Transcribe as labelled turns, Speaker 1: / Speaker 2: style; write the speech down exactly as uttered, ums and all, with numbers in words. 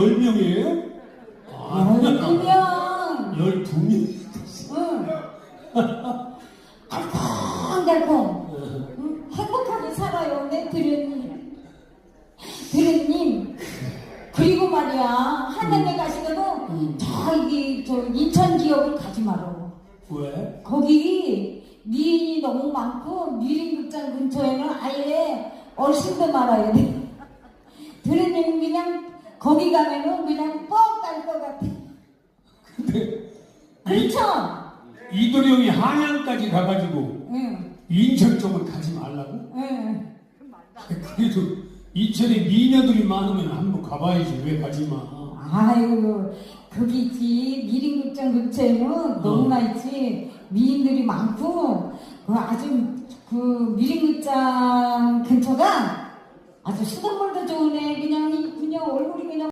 Speaker 1: 열 명이에요? 아,
Speaker 2: 열두 명.
Speaker 1: 열두 명.
Speaker 2: 응. 달콤달콤. 응? 행복하게 살아요, 내 드련님. 드련님. 그리고 말이야, 하늘에 가시면은
Speaker 1: 음.
Speaker 2: 저기 저 인천 지역을 가지 마라.
Speaker 1: 왜?
Speaker 2: 거기 미인이 너무 많고 미림극장 근처에는 아예 얼씬도 말아야 돼. 드련님은 그냥 거기 가면은 그냥 뻑 갈 것 같아.
Speaker 1: 근데
Speaker 2: 그렇죠?
Speaker 1: 이도령이 한양까지 가가지고
Speaker 2: 응.
Speaker 1: 인천 쪽을 가지 말라고?
Speaker 2: 응.
Speaker 1: 그래도 인천에 미녀들이 많으면 한번 가봐야지. 왜 가지 마?
Speaker 2: 아유, 거기 있지. 미림극장 근처에는 너무나 있지. 미인들이 많고, 그 아주, 그 미림극장 근처가 아주 수돗물도 좋으네. 그냥, 그냥 얼굴이 그냥